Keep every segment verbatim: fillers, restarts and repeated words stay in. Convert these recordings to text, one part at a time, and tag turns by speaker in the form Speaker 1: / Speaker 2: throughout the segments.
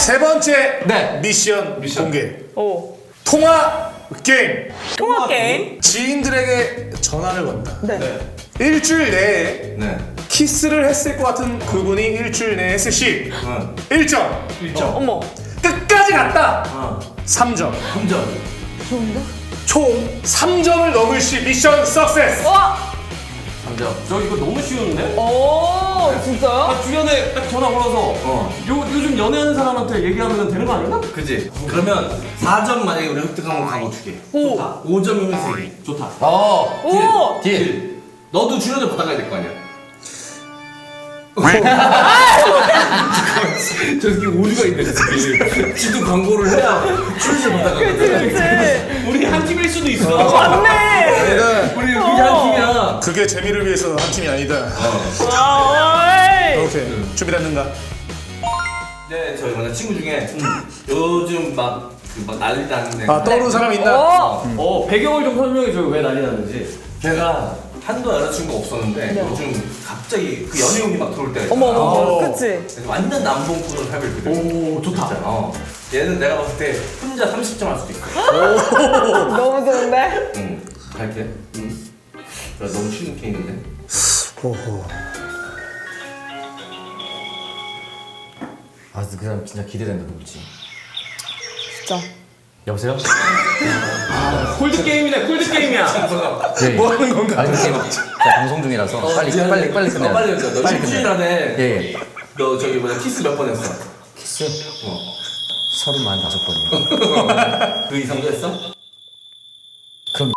Speaker 1: 세 번째
Speaker 2: 네.
Speaker 1: 미션,
Speaker 3: 미션.
Speaker 1: 공개.
Speaker 4: 오.
Speaker 1: 통화 게임.
Speaker 4: 통화 게임.
Speaker 1: 지인들에게 전화를 건다.
Speaker 4: 네.
Speaker 3: 네.
Speaker 1: 일주일 내에
Speaker 3: 네.
Speaker 1: 키스를 했을 것 같은 그분이 일주일 내에 했을 시
Speaker 3: 응.
Speaker 1: 일 점.
Speaker 3: 일 점.
Speaker 4: 어머.
Speaker 1: 끝까지 갔다.
Speaker 3: 어.
Speaker 1: 삼 점.
Speaker 3: 삼 점.
Speaker 4: 좋은데?
Speaker 1: 총 삼 점을 넘을 시 미션 석세스.
Speaker 4: 와.
Speaker 3: 삼 점.
Speaker 2: 저 이거 너무 쉬운데?
Speaker 4: 오, 진짜요?
Speaker 2: 아, 주변에 딱 전화 걸어서
Speaker 3: 어.
Speaker 2: 요, 요즘 연애하는 사람한테 얘기하면 되는 거 아닌가?
Speaker 3: 그지? 그러면 사 점 만약에 우리 획득하면 가고 두 개.
Speaker 4: 오.
Speaker 3: 오 점이면 세 개.
Speaker 2: 좋다.
Speaker 3: 어.
Speaker 4: 오.
Speaker 3: 딜. 딜. 너도 출연을 받아가야 될 거 아니야. 저 새끼 오류가 있네, 저 새끼. 지도 광고를 해야 출연을 받아가거든.
Speaker 4: 그치.
Speaker 2: 우리 한 팀일 수도 있어.
Speaker 4: 맞네.
Speaker 3: 우리 우리 한 팀이야.
Speaker 1: 그게 재미를 위해서 한 팀이 아니다.
Speaker 4: 와, 어이.
Speaker 1: 오케이. 준비됐는가?
Speaker 3: 네, 저희 만약 친구 중에 요즘 막, 그 막 난리 나는 애.
Speaker 1: 아, 떠오르는 사람 있나?
Speaker 4: 오.
Speaker 2: 어, 배경을 좀 설명해줘요. 왜 난리 나는지.
Speaker 3: 제가 한도 여자친구가 없었는데
Speaker 4: 네.
Speaker 3: 요즘 갑자기 그 연예인이 막 들어올 때가 있잖아.
Speaker 4: 어머, 어머,
Speaker 1: 어.
Speaker 4: 어머. 그치.
Speaker 3: 그래서 완전 남봉꾼으로 살고 있거든.
Speaker 2: 오, 좋다.
Speaker 3: 어. 얘는 내가 봤을 때 혼자 삼십 점 할 수도 있어.
Speaker 4: 너무 좋은데?
Speaker 3: 응. 갈게. 응. 나 너무 쉬운 게임인데.
Speaker 1: 호호.
Speaker 5: 아, 그 사람 진짜 기대된다, 누구지?
Speaker 4: 진짜.
Speaker 5: 여보세요?
Speaker 2: 콜드 게임이네, 콜드 게임이야.
Speaker 5: 예.
Speaker 1: 뭐 하는 건가?
Speaker 5: 아니, 지금 제가 방송 중이라서 빨리,
Speaker 3: 미안해.
Speaker 5: 빨리, 빨리 끝내야
Speaker 3: 어, 빨리 해줘. 너
Speaker 5: 빨리
Speaker 3: 일주일
Speaker 5: 끝내.
Speaker 3: 안에
Speaker 5: 예, 예.
Speaker 3: 너 저기 뭐냐 키스 몇 번 했어?
Speaker 5: 키스?
Speaker 3: 어.
Speaker 5: 서른만 다섯 번이요.
Speaker 3: 그 이상도 했어?
Speaker 5: 그럼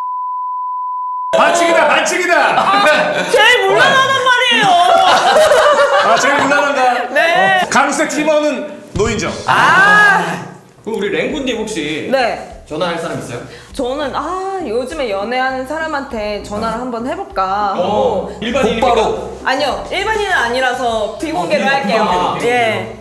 Speaker 1: 반칙이다, 반칙이다!
Speaker 4: 제일 물러나단 말이에요.
Speaker 1: 아, 제일 무난한가?
Speaker 4: 네.
Speaker 1: 강색 팀원은 노인정.
Speaker 4: 아.
Speaker 2: 그럼 우리 랭군님 혹시
Speaker 4: 네.
Speaker 2: 전화할 사람 있어요?
Speaker 4: 저는 아 요즘에 연애하는 사람한테 전화를 한번 해볼까 하고
Speaker 2: 어, 일반인입니까?
Speaker 5: 곧바로.
Speaker 4: 아니요 일반인은 아니라서 비공개로
Speaker 2: 어, 비-
Speaker 4: 할게요.
Speaker 2: 비공개로,
Speaker 4: 예.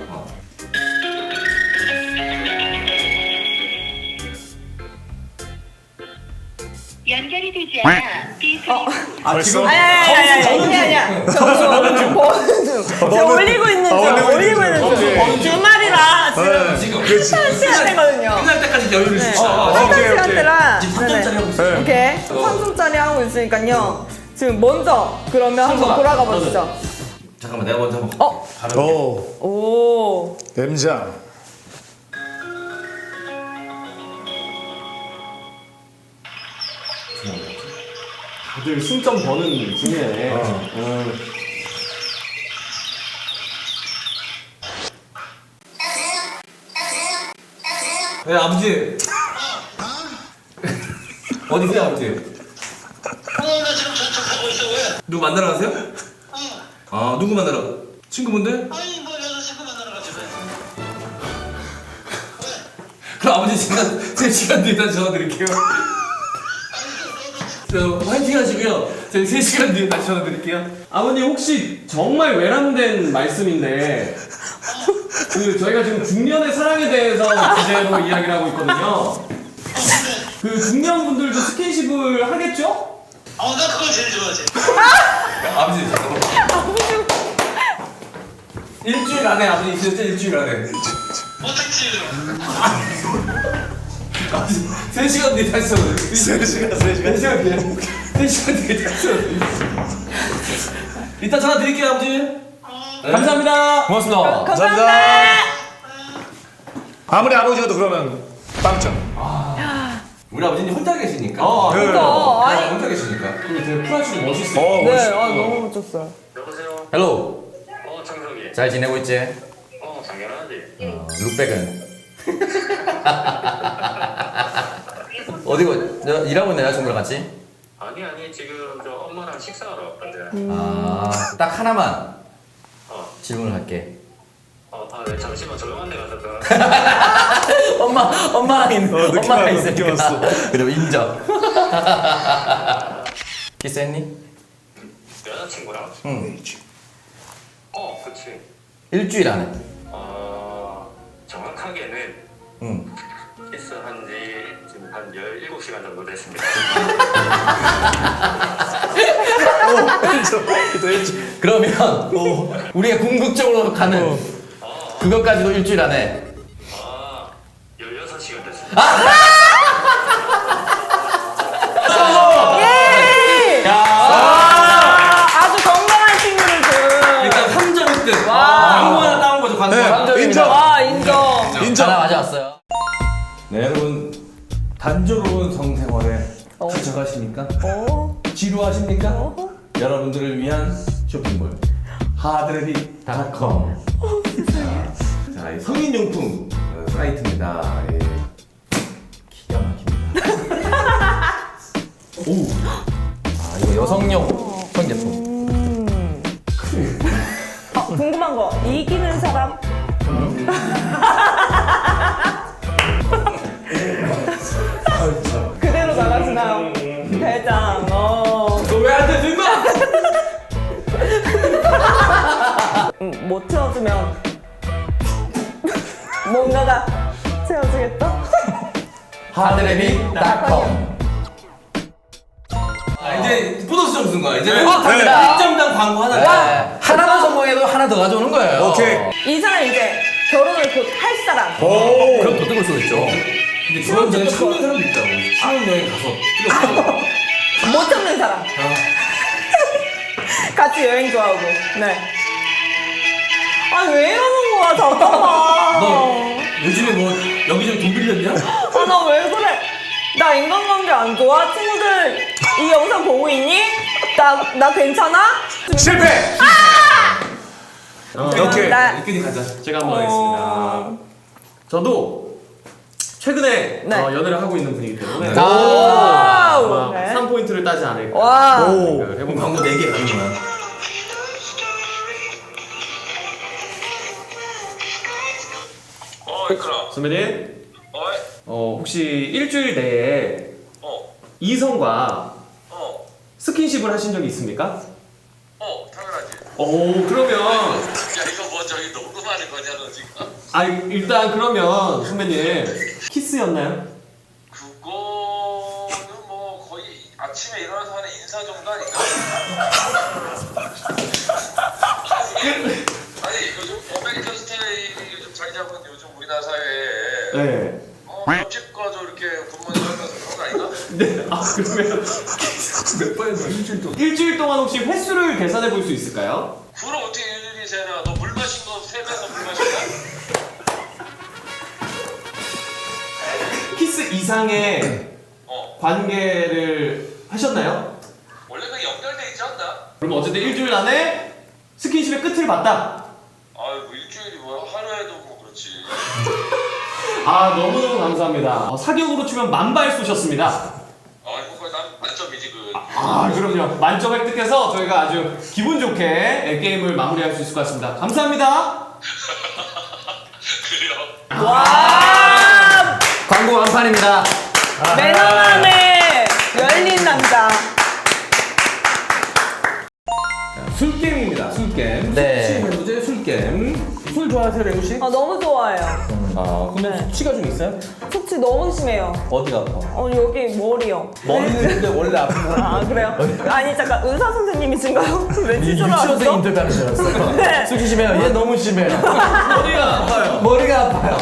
Speaker 6: 연결이 되지 않아 삐 소리
Speaker 2: 아,
Speaker 1: 벌써?
Speaker 2: 지금
Speaker 4: 아니 아니 아니 아니 아니 아니야. 저 버는 중 버는 중. 제가 올리고 있는 중.
Speaker 1: 어, 올리고
Speaker 4: 올리고
Speaker 1: 있는
Speaker 4: 있는
Speaker 1: 중.
Speaker 4: 중.
Speaker 1: 오케이.
Speaker 4: 주말이라 지금
Speaker 1: 네,
Speaker 3: 지금.
Speaker 1: 그렇지.
Speaker 4: 시간 되거든요.
Speaker 3: 끝날 때까지 여유를
Speaker 4: 네.
Speaker 3: 주자.
Speaker 1: 어,
Speaker 4: 한달
Speaker 1: 오케이, 오케이.
Speaker 4: 시간대라.
Speaker 3: 지금 삼 점짜리 하고 있어.
Speaker 1: 네.
Speaker 4: 오케이. 삼 점짜리 하고 있으니까요. 지금 먼저 그러면 한번
Speaker 2: 삼성아,
Speaker 4: 돌아가 보시죠.
Speaker 3: 잠깐만 내가 먼저 한번
Speaker 4: 어.
Speaker 3: 가르쳐.
Speaker 1: 오,
Speaker 4: 오.
Speaker 1: 엠장.
Speaker 2: 다들 승점 버는 중이네. 음.
Speaker 3: 네 아버지. 어디세요 아버지?
Speaker 7: 어, 나 지금 저쪽하고 있어, 왜?
Speaker 3: 누구 만나러 가세요?
Speaker 7: 어,
Speaker 3: 아 누구 만나러? 친구분들?
Speaker 7: 아니, 뭐, 여자친구 만나러 가지, 왜?
Speaker 3: 그럼 아버지 제가 제 시간 뒤에 다시 전화 드릴게요. 저 화이팅 하시고요. 저희 세 시간 뒤에 다시 전화 드릴게요.
Speaker 2: 아버님 혹시 정말 외람된 말씀인데 그 저희가 지금 중년의 사랑에 대해서 주제로 이야기를 하고 있거든요. 그 중년 분들도 스킨십을 하겠죠?
Speaker 7: 어, 나 그걸 제일 좋아하지.
Speaker 3: 아버지 잠깐만. 일주일 안에 아버지 있으셨죠? 일주일 안에.
Speaker 7: 어떻지?
Speaker 3: 아버지 세 시간 뒤에 다시 전화 드릴게요.
Speaker 1: 세 시간, 세 시간.
Speaker 3: 세 시간 뒤에. 세 시간 뒤에 다시 전화 드릴게요. 이따 전화 드릴게요 아버지. 네.
Speaker 2: 감사합니다.
Speaker 5: 고맙습니다.
Speaker 4: 감사합니다.
Speaker 1: 아무리 아버지가 또 그러면 빵점.
Speaker 3: 우리 아버지는 혼자 계시니까.
Speaker 2: 어,
Speaker 1: 네.
Speaker 4: 어,
Speaker 3: 아,
Speaker 4: 아니.
Speaker 3: 혼자 계시니까.
Speaker 2: 그리고 되게 쿨하시고 멋있어요.
Speaker 1: 어,
Speaker 4: 네,
Speaker 1: 멋있어.
Speaker 4: 아 너무 멋졌어요.
Speaker 6: 여보세요?
Speaker 5: 헬로.
Speaker 6: 어 정석이
Speaker 5: 잘 지내고 있지?
Speaker 6: 어 당연하지
Speaker 5: 어, 룩백은? 어디고, 너 일하고 있는 여자친구랑 같이?
Speaker 6: 아니 아니 지금 저 엄마랑 식사하러 왔거든
Speaker 5: 아, 딱 하나만
Speaker 6: 어,
Speaker 5: 질문을 할게.
Speaker 6: 어, 아, 네, 잠시만 조용한 데 가서 그
Speaker 5: 엄마, 엄마랑 있는,
Speaker 1: 어, 느낌
Speaker 5: 엄마랑
Speaker 1: 왔어, 느낌
Speaker 5: 있으니까.
Speaker 1: 왔어.
Speaker 5: 그럼 인정. 키스했니?
Speaker 6: 여자친구랑?
Speaker 5: 응.
Speaker 6: 어 그치
Speaker 5: 일주일 안에.
Speaker 6: 어 정확하게는
Speaker 5: 응.
Speaker 6: 키스한 지 지금 한 열일곱 시간 정도 됐습니다
Speaker 1: 또 했죠.
Speaker 5: 그러면 우리가 궁극적으로 가는
Speaker 6: 어,
Speaker 5: 그것까지도 일주일 안에.
Speaker 6: 아, 열여섯 시간 됐습니다.
Speaker 4: 예! 아, 아주 건강한 친구를 준.
Speaker 3: 일단 삼 점 일 등.
Speaker 4: 와.
Speaker 3: 광고 하나 따온 거죠, 광고
Speaker 1: 네.
Speaker 3: 하나.
Speaker 1: 인정.
Speaker 4: 와, 인정.
Speaker 1: 인정.
Speaker 5: 하나 가져왔어요.
Speaker 3: 네, 여러분. 단조로운 성생활에
Speaker 4: 어.
Speaker 3: 지쳐가십니까?
Speaker 4: 어?
Speaker 3: 지루하십니까?
Speaker 4: 어?
Speaker 3: 여러분들을 위한 쇼핑몰 하드레비 닷컴. 자, 이 성인용품 어, 사이트입니다. 예. 기가 막힙니다. 오,
Speaker 5: 아, 이거 여성용 성제품.
Speaker 4: 어, 궁금한 거. 이기는 사람? 그대로 나가시나요? 대장, 어.
Speaker 3: 너왜안 돼, 임마?
Speaker 4: 음, 못 채워주면 뭔가가 채워주겠다?
Speaker 5: 하드레비 닷컴.
Speaker 3: 아, 이제 보너스 점 쓴 거야. 이제는
Speaker 5: 어, 갑니다.
Speaker 3: 일 점당 광고 하나.
Speaker 5: 네. 하나만 성공해도 하나 더 가져오는 거예요.
Speaker 1: 오케이.
Speaker 4: 이 사람 이제 결혼을 곧 할 사람.
Speaker 1: 오.
Speaker 5: 그럼 더 뜨거울 수도 있죠.
Speaker 3: 근데 결혼 전에 참는 사람도 있다고. 신혼여행 가서 뜨겁고.
Speaker 4: 못 참는 사람. 같이 여행 좋아하고. 네. 아, 왜 이러는 거야, 잠깐만.
Speaker 3: 너 요즘에 뭐 여기저기 돈 빌렸냐?
Speaker 4: 아, 나 왜 그래? 나 인간관계 안 좋아? 친구들 이 영상 보고 있니? 나, 나 괜찮아?
Speaker 1: 실패. 오케이.
Speaker 4: 나-
Speaker 3: 이끈이 가자.
Speaker 2: 제가 한번 하겠습니다. 저도 최근에
Speaker 4: 네.
Speaker 2: 어, 연애를 하고 있는 분이기 때문에
Speaker 4: 와우.
Speaker 2: 아마
Speaker 4: 네.
Speaker 2: 삼 포인트를 따지 않을까
Speaker 4: 와.
Speaker 1: 오.
Speaker 2: 생각을 해본 것
Speaker 3: 광고 네 개 가는 거야.
Speaker 6: 어, 이끌어.
Speaker 2: 선배님,
Speaker 6: 어이?
Speaker 2: 어, 혹시 일주일 내에
Speaker 6: 어,
Speaker 2: 이성과
Speaker 6: 어,
Speaker 2: 스킨십을 하신 적이 있습니까?
Speaker 6: 어, 당연하지.
Speaker 2: 오, 그러면
Speaker 6: 야, 이거 뭐 저기 녹음하는 거냐, 너 지금?
Speaker 2: 아 일단 그러면 선배님 키스였나요?
Speaker 6: 그거는 뭐 거의 아침에 일어나서 하는 인사 정도 아닌가? 아니, 요즘 아메리칸 스타일이 요즘 자리 잡은 요즘 우리나라 사회에
Speaker 2: 네.
Speaker 6: 어, 옆집 가서 이렇게 굿모닝 하면서 그런 거 아닌가?
Speaker 2: 네. 아 그러면 몇 번에서 일주일 동안 일주일 동안 혹시 횟수를 계산해 볼 수 있을까요?
Speaker 6: 그걸 어떻게 일일이 세나? 너 물 마신 거 세 배서 물 마신 거야?
Speaker 2: 키스 이상의
Speaker 6: 어,
Speaker 2: 관계를 하셨나요?
Speaker 6: 원래 그 연결돼 있지 않나?
Speaker 2: 그럼 어쨌든 일주일 안에 스킨십의 끝을 봤다.
Speaker 6: 아유, 뭐 일주일이 뭐야? 하루에도 뭐 그렇지.
Speaker 2: 아 너무너무 감사합니다. 어, 사격으로 치면 만발 쏘셨습니다.
Speaker 6: 아이고, 그거 난 만점이지 그.
Speaker 2: 아 그럼요. 만점 획득해서 저희가 아주 기분 좋게 게임을 마무리할 수 있을 것 같습니다. 감사합니다.
Speaker 6: 그래요.
Speaker 4: 와.
Speaker 5: 광고 완판입니다.
Speaker 4: 매너남의 열린 남자.
Speaker 3: 술게임입니다. 술게임.
Speaker 5: 네.
Speaker 3: 숙취 해소제 술게임. 술 좋아하세요, 레우 씨?
Speaker 4: 아, 너무 좋아해요.
Speaker 3: 아, 근데
Speaker 4: 네.
Speaker 3: 숙취가 좀 있어요?
Speaker 4: 숙취 너무 심해요.
Speaker 3: 어디가 아파?
Speaker 4: 어, 여기 머리요.
Speaker 3: 머리는 근데 원래 아픈 사람.
Speaker 4: 아, 그래요? 아니, 잠깐, 의사 선생님이신가요? 왜 치료를
Speaker 5: 유치원생
Speaker 4: 하셨어?
Speaker 5: 인터뷰하는 줄 알았어.
Speaker 4: 네.
Speaker 5: 숙이 심해요. 얘 너무 심해요.
Speaker 2: 머리가 아파요.
Speaker 5: 머리가 아파요.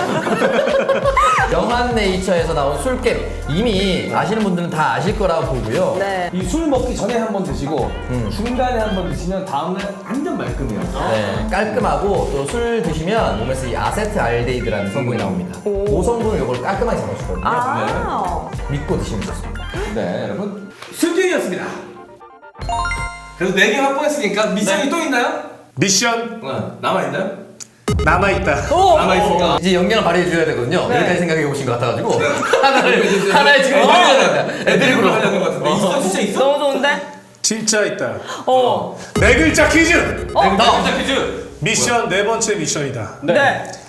Speaker 5: 영한네이처에서 나온 술게임 이미 아시는 분들은 다 아실 거라고 보고요.
Speaker 4: 네.
Speaker 3: 이 술 먹기 전에 한 번 드시고
Speaker 5: 음.
Speaker 3: 중간에 한 번 드시면 다음날 완전 말끔해요.
Speaker 5: 네, 깔끔하고 또 술 드시면 몸에서 이 아세트알데히드라는 성분이 나옵니다.
Speaker 4: 오.
Speaker 5: 그 성분을 이걸 깔끔하게 잡아주거든요.
Speaker 4: 아.
Speaker 5: 믿고 드시면 좋습니다.
Speaker 3: 네, 여러분 술게임이었습니다. 그래도 네 개 확보했으니까 미션이 또 있나요?
Speaker 1: 미션
Speaker 3: 어, 남아있나요?
Speaker 1: 남아있다.
Speaker 4: 오!
Speaker 3: 남아있으니까
Speaker 5: 이제 연기를 발휘해 줘야 되거든요.
Speaker 4: 네.
Speaker 5: 여기까지 생각해 오신 것 같아가지고 하나를 하나에 지금
Speaker 3: 어.
Speaker 5: 애드립으로 애드립으로
Speaker 3: 하려는 것 같은데 있어? 진짜 있어?
Speaker 4: 너무 좋은데?
Speaker 1: 진짜 있다.
Speaker 4: 어.
Speaker 1: 네 글자 퀴즈.
Speaker 4: 어?
Speaker 2: 네 글자 퀴즈.
Speaker 1: 미션 네 번째 미션이다.
Speaker 4: 네.